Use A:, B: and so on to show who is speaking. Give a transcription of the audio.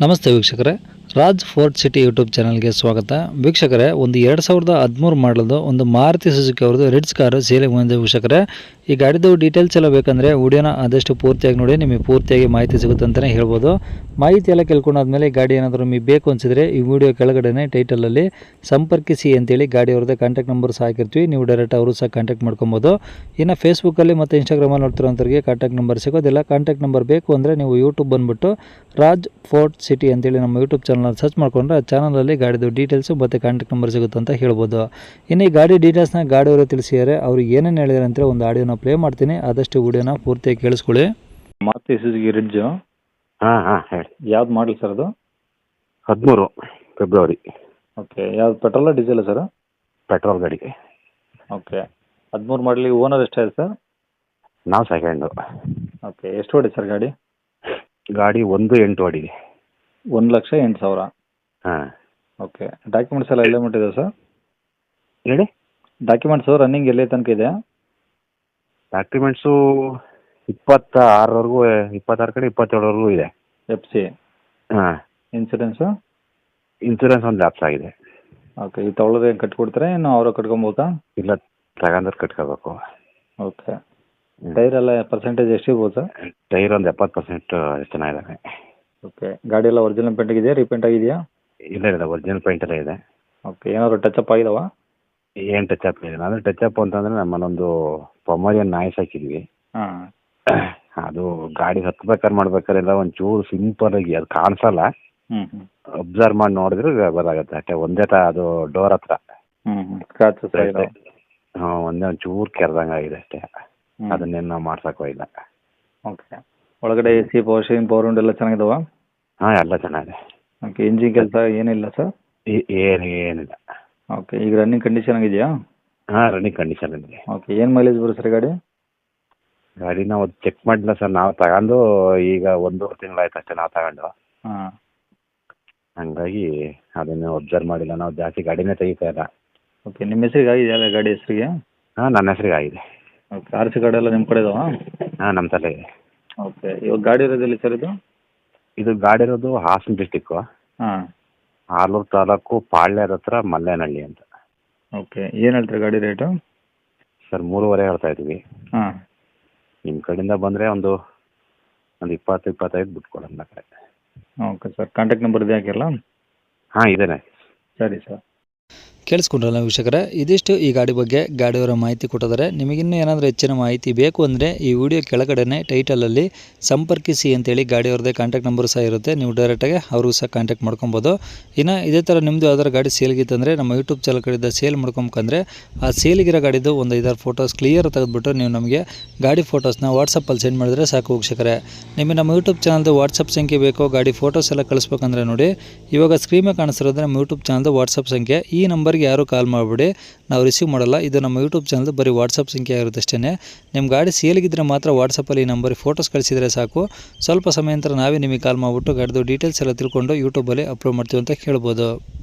A: ನಮಸ್ತೆ ವೀಕ್ಷಕರೇ, Raj fort city YouTube ಚಾನಲ್ಗೆ ಸ್ವಾಗತ. ವೀಕ್ಷಕರೇ, ಒಂದು 2013 ಮಾಡಲದು ಒಂದು ಮಾರುತಿ ಸುಜುಕಿ ಅವ್ರದ್ದು ರಿಡ್ಸ್ ಕಾರು ಸೇಲಿಗೆ ಬಂದಿದೆ. ವೀಕ್ಷಕರೇ, ಈ ಗಾಡಿದು ಡೀಟೇಲ್ಸ್ ಎಲ್ಲ ಬೇಕಂದರೆ ವಿಡಿಯೋನ ಆದಷ್ಟು ಪೂರ್ತಿಯಾಗಿ ನೋಡಿ, ನಿಮಗೆ ಪೂರ್ತಿಯಾಗಿ ಮಾಹಿತಿ ಸಿಗುತ್ತೆ ಅಂತಲೇ ಹೇಳ್ಬೋದು. ಮಾಹಿತಿ ಎಲ್ಲ ಕೇಳ್ಕೊಂಡಾದ್ಮೇಲೆ ಗಾಡಿ ಏನಾದರೂ ನಿಮಗೆ ಬೇಕು ಅನಿಸಿದ್ರೆ ಈ ವಿಡಿಯೋ ಕೆಳಗಡೆ ಟೈಟಲಲ್ಲಿ ಸಂಪರ್ಕಿಸಿ ಅಂತೇಳಿ ಗಾಡಿ ಅವ್ರದ್ದೇ ಕಾಂಟ್ಯಾಕ್ಟ್ ನಂಬರ್ ಸಹ ಹಾಕಿರ್ತೀವಿ. ನೀವು ಡೈರೆಕ್ಟ್ ಅವರು ಸಹ ಕಾಂಟ್ಯಾಕ್ಟ್ ಮಾಡ್ಕೊಬೋದು. ಇನ್ನು ಫೇಸ್ಬುಕ್ಕಲ್ಲಿ ಮತ್ತು ಇನ್ಸ್ಟಾಗ್ರಾಮಲ್ಲಿ ನೋಡ್ತಿರೋಂಥವ್ರಿಗೆ ಕಾಂಟ್ಯಾಕ್ಟ್ ನಂಬರ್ ಸಿಗೋದಿಲ್ಲ. ಕಾಂಟ್ಯಾಕ್ಟ್ ನಂಬರ್ ಬೇಕು ಅಂದರೆ ನೀವು ಯೂಟ್ಯೂಬ್ ಬಂದುಬಿಟ್ಟು ರಾಜ್ ಫೋರ್ಟ್ ಸಿಟಿ ಅಂತೇಳಿ ನಮ್ಮ ಯೂಟ್ಯೂಬ್ ಚಾನಲ್ ಸರ್ಚ್ ಮಾಡಿಕೊಂಡ್ರೆ ಆ ಚಾನಲಲ್ಲಿ ಗಾಡಿದು ಡೀಟೇಲ್ಸು ಮತ್ತು ಕಾಂಟ್ಯಾಕ್ಟ್ ನಂಬರ್ ಸಿಗುತ್ತೆ ಅಂತ ಹೇಳ್ಬೋದು. ಇನ್ನು ಈ ಗಾಡಿ ಡೀಟೇಲ್ಸ್ನ ಗಾಡಿಯವರು ತಿಳಿಸಿದ್ದಾರೆ. ಅವರು ಏನೇನು ಹೇಳಿದಾರೆ ಅಂತ ಒಂದು ಆಡಿಯೋನ ಪ್ಲೇ ಮಾಡ್ತೀನಿ, ಆದಷ್ಟು ವಿಡಿಯೋನ ಪೂರ್ತಿಯಾಗಿ ಕೇಳಿಸ್ಕೊಳ್ಳಿ. ಮಾರುತಿ ಸುಜುಕಿ ರಿಡ್ಜು
B: ಹೇಳಿ.
A: ಯಾವ್ದು ಮಾಡಲಿ ಸರ್ ಅದು?
B: 13 ಫೆಬ್ರವರಿ.
A: ಓಕೆ, ಯಾವ್ದು ಪೆಟ್ರೋಲ ಡೀಸೆಲ್ ಸರ್?
B: ಪೆಟ್ರೋಲ್ ಗಾಡಿ.
A: ಓಕೆ, 13 ಮಾಡಲಿ. ಓನರ್ ಎಷ್ಟಾಯ್ತು ಸರ್?
B: ನಾವು ಸೆಕೆಂಡು.
A: ಓಕೆ, ಎಷ್ಟು ಹೊಡಿ ಸರ್ ಗಾಡಿ?
B: ಗಾಡಿ 1.8 ಹೊಡಿದೆ.
A: 1,08,000.
B: ಹಾಂ.
A: ಓಕೆ, ಡಾಕ್ಯುಮೆಂಟ್ಸ್ ಎಲ್ಲ ಎಲ್ಲೇ ಮುಟ್ಟಿದೆ ಸರ್?
B: ಹೇಳಿ.
A: ಡಾಕ್ಯುಮೆಂಟ್ಸು ರನ್ನಿಂಗ್ ಎಲ್ಲೇ ತನಕ ಇದೆ?
B: ಡಾಕ್ಯುಮೆಂಟ್ಸು 26ವರೆಗೂ, 26 ಕಡೆ 27ವರೆಗೂ ಇದೆ.
A: FC.
B: ಹಾಂ.
A: ಇನ್ಸೂರೆನ್ಸು?
B: ಇನ್ಸೂರೆನ್ಸ್ ಒಂದು ಲ್ಯಾಪ್ಸ್ ಆಗಿದೆ.
A: ಓಕೆ, ಈ ತೊಗೊಳೋದು ಏನು ಕಟ್ಕೊಡ್ತಾರೆ, ಇನ್ನು ಅವರ ಕಟ್ಕೊಬೋದಾ?
B: ಇಲ್ಲ, ತಗೊಂಡ್ರೆ ಕಟ್ಕೋಬೇಕು.
A: ಓಕೆ, ಟೈರ್ ಎಲ್ಲ ಪರ್ಸೆಂಟೇಜ್ ಎಷ್ಟಿರ್ಬೋದು ಸರ್?
B: ಟೈರ್ ಒಂದು 70% ಚೆನ್ನಾಗಿದ್ದಾವೆ.
A: ಓಕೆ, ಗಾಡಿ ಎಲ್ಲ ಒರಿಜಿನಲ್ ಪೇಂಟ್ ಆಗಿದೆಯಾ, ರೀಪೇಂಟ್ ಆಗಿದೆಯಾ?
B: ಇಲ್ಲ, ಒರಿಜಿನಲ್ ಪೇಂಟಲ್ಲೇ ಇದೆ.
A: ಓಕೆ, ಏನಾದ್ರು ಟಚಪ್ ಆಗಿದಾವ?
B: ಏನು ಟಚಪ್ ಇದೆ? ಅಂದರೆ ಟಚಪ್ ಅಂತಂದರೆ ನಮ್ಮಲ್ಲೊಂದು ಪೊಮರಿಯನ್ ನಾಯ್ಸ್ ಹಾಕಿದ್ವಿ.
A: ಹಾಂ.
B: ಅದು ಗಾಡಿ ಹತ್ಬೇಕಾದ್ರೆ ಮಾಡ್ಬೇಕಾರೆಲ್ಲ ಒಂಚೂರು ಸಿಂಪಲ್ ಆಗಿ ಅದು ಕಾಣಿಸಲ್ಲ. ಅಬ್ಸರ್ವ್ ಮಾಡಿ ನೋಡಿದ್ರೆ ಗೊತ್ತಾಗುತ್ತೆ ಅಷ್ಟೇ. ಒಂದೇ ಅದು ಡೋರ್ ಹತ್ರ
A: ಸ್ಕ್ರಾಚಸ್
B: ಹಾಂ, ಒಂದೇ ಒಂಚೂರು ಕೆರೆದಂಗೆ ಆಗಿದೆ ಅಷ್ಟೇ. ಅದನ್ನೇನು ನಾವು ಮಾಡ್ಸೋಕ್ಕೋ ಇಲ್ಲ.
A: ಓಕೆ, ಒಳಗಡೆ AC, power steering, power window ಎಲ್ಲ ಚೆನ್ನಾಗಿದಾವ?
B: ಹಾಂ, ಎಲ್ಲ ಚೆನ್ನಾಗಿದೆ.
A: ಓಕೆ, ಇಂಜಿನ್ ಕೆಲಸ ಏನಿಲ್ಲ ಸರ್?
B: ಏನಿಲ್ಲ.
A: ಓಕೆ, ಈಗ ರನ್ನಿಂಗ್ ಕಂಡೀಷನ್ ಆಗಿದೆಯಾ?
B: ಹಾಂ, ರನ್ನಿಂಗ್ ಕಂಡೀಷನ್ ಇದೆ.
A: ಓಕೆ, ಏನು ಮೈಲೇಜ್ ಬರುತ್ತೆ ಸರ್ ಗಾಡಿ?
B: ಗಾಡಿ ನಾವು ಚೆಕ್ ಮಾಡಿಲ್ಲ ಸರ್. ನಾವು ತಗೊಂಡು ಈಗ 1.5 ತಿಂಗಳಾಯ್ತು ಅಷ್ಟೇ ನಾವು ತಗೊಂಡು.
A: ಹಾಂ.
B: ಹಂಗಾಗಿ ಅದನ್ನು ಅಬ್ಸರ್ವ್ ಮಾಡಿಲ್ಲ. ನಾವು ಜಾಸ್ತಿ ಗಾಡಿನೇ ತೆಗಿತಾ ಇಲ್ಲ.
A: ಓಕೆ, ನಿಮ್ಮ ಹೆಸರಿಗೆ ಆಗಿದೆಯಲ್ಲ ಗಾಡಿ ಹೆಸರಿಗೆ?
B: ಹಾಂ, ನನ್ನ ಹೆಸರಿಗೆ ಆಗಿದೆ.
A: ಓಕೆ, RC ಗಾಡಿ ಎಲ್ಲ ನಿಮ್ಮ ಕಡೆ ಇದಾವಾ?
B: ಹಾಂ, ನಮ್ಮ ತಲೆ ಇದೆ.
A: ಓಕೆ, ಇವಾಗ ಗಾಡಿ ಇರೋದಿಲ್ಲ ಸರ್ ಇದು?
B: ಇದು ಗಾಡಿ ಇರೋದು ಹಾಸನ ಡಿಸ್ಟಿಕ್ಕು,
A: ಹಾಂ,
B: ಆಲೂರು ತಾಲೂಕು, ಪಾಳ್ಯದ ಹತ್ರ ಮಲ್ಲೇನಹಳ್ಳಿ ಅಂತ.
A: ಓಕೆ, ಏನು ಹೇಳ್ತೀರಿ ಗಾಡಿ ರೇಟು?
B: ಸರ್ 3.5 ಹೇಳ್ತಾ ಇದ್ವಿ.
A: ಹಾಂ.
B: ನಿಮ್ಮ ಕಡೆಯಿಂದ ಬಂದರೆ ಒಂದು 20-25 ಬಿಟ್ಕೊಡೋಣ ಕಡೆ.
A: ಓಕೆ ಸರ್, ಕಾಂಟ್ಯಾಕ್ಟ್ ನಂಬರ್ ಇದೆ ಹಾಕಿರಲ್ಲ?
B: ಹಾಂ, ಇದೇನೆ.
A: ಸರಿ ಸರ್. ಕೇಳಿಸ್ಕೊಂಡ್ರಲ್ಲ ವೀಕ್ಷಕರೇ, ಇದಿಷ್ಟು ಈ ಗಾಡಿ ಬಗ್ಗೆ ಗಾಡಿಯವರ ಮಾಹಿತಿ ಕೊಟ್ಟಿದ್ದಾರೆ. ನಿಮಗಿನ್ನೂ ಏನಾದರೂ ಹೆಚ್ಚಿನ ಮಾಹಿತಿ ಬೇಕು ಅಂದರೆ ಈ ವಿಡಿಯೋ ಕೆಳಗಡೆ ಟೈಟಲಲ್ಲಿ ಸಂಪರ್ಕಿಸಿ ಅಂತೇಳಿ ಗಾಡಿಯವ್ರದ್ದೇ ಕಾಂಟ್ಯಾಕ್ಟ್ ನಂಬರ್ ಸಹ ಇರುತ್ತೆ. ನೀವು ಡೈರೆಕ್ಟಾಗಿ ಅವ್ರಿಗೂ ಸಹ ಕಾಂಟ್ಯಾಕ್ಟ್ ಮಾಡ್ಕೊಬೋದು. ಇನ್ನು ಇದೇ ಥರ ನಿಮ್ಮದು ಯಾವ್ದಾದ್ರು ಗಾಡಿ ಸೇಲ್ಗಿತ್ತಂದರೆ ನಮ್ಮ ಯೂಟ್ಯೂಬ್ ಚಾನಲ್ ಕಡೆಯಿಂದ ಸೇಲ್ ಮಾಡ್ಕೊಬೇಕಂದ್ರೆ ಆ ಸೇಲಿಗಿರೋ ಗಾಡಿದು ಒಂದು 5-6 ಫೋಟೋಸ್ ಕ್ಲಿಯರ್ ತೆಗೆದುಬಿಟ್ಟು ನೀವು ನಮಗೆ ಗಾಡಿ ಫೋಟೋಸ್ನ ವಾಟ್ಸಪ್ಪಲ್ಲಿ ಸೆಂಡ್ ಮಾಡಿದ್ರೆ ಸಾಕು ವೀಕ್ಷಕರೇ. ನಿಮಗೆ ನಮ್ಮ ಯೂಟ್ಯೂಬ್ ಚಾನಲ್ದು ವಾಟ್ಸಪ್ ಸಂಖ್ಯೆ ಬೇಕು, ಗಾಡಿ ಫೋಟೋಸ್ ಎಲ್ಲ ಕಳಿಸ್ಬೇಕಂದ್ರೆ ನೋಡಿ, ಇವಾಗ ಸ್ಕ್ರೀನ್ ಮೇಲೆ ಕಾಣಿಸ್ತಿರೋದು ನಮ್ಮ ಯೂಟ್ಯೂಬ್ ಚಾನಲ್ದು ವಾಟ್ಸಪ್ ಸಂಖ್ಯೆ. ಈ ನಂಬರ್ಗೆ ಯಾರು ಕಾಲ್ ಮಾಡಿಬಿಡಿ, ನಾವು ರಿಸೀವ್ ಮಾಡಲ್ಲ. ಇದು ನಮ್ಮ ಯೂಟ್ಯೂಬ್ ಚಾನಲ್ದು ಬರೀ ವಾಟ್ಸಪ್ ಸಂಖ್ಯೆ ಆಗಿರುತ್ತೆ ಅಷ್ಟೇ. ನಿಮ್ಮ ಗಾಡಿ ಸೇಲಿಗಿದ್ರೆ ಮಾತ್ರ ವಾಟ್ಸಪ್ಪಲ್ಲಿ ಈ ನಂಬರಿಗೆ ಫೋಟೋಸ್ ಕಳಿಸಿದರೆ ಸಾಕು. ಸ್ವಲ್ಪ ಸಮಯ ನಂತರ ನಾವೇ ನಿಮಗೆ ಕಾಲ್ ಮಾಡಿಬಿಟ್ಟು ಗಾಡಿದು ಡೀಟೇಲ್ಸ್ ಎಲ್ಲ ತಿಳ್ಕೊಂಡು ಯೂಟ್ಯೂಬಲ್ಲಿ ಅಪ್ಲೋಡ್ ಮಾಡ್ತೀವಿ ಅಂತ ಹೇಳ್ಬೋದು.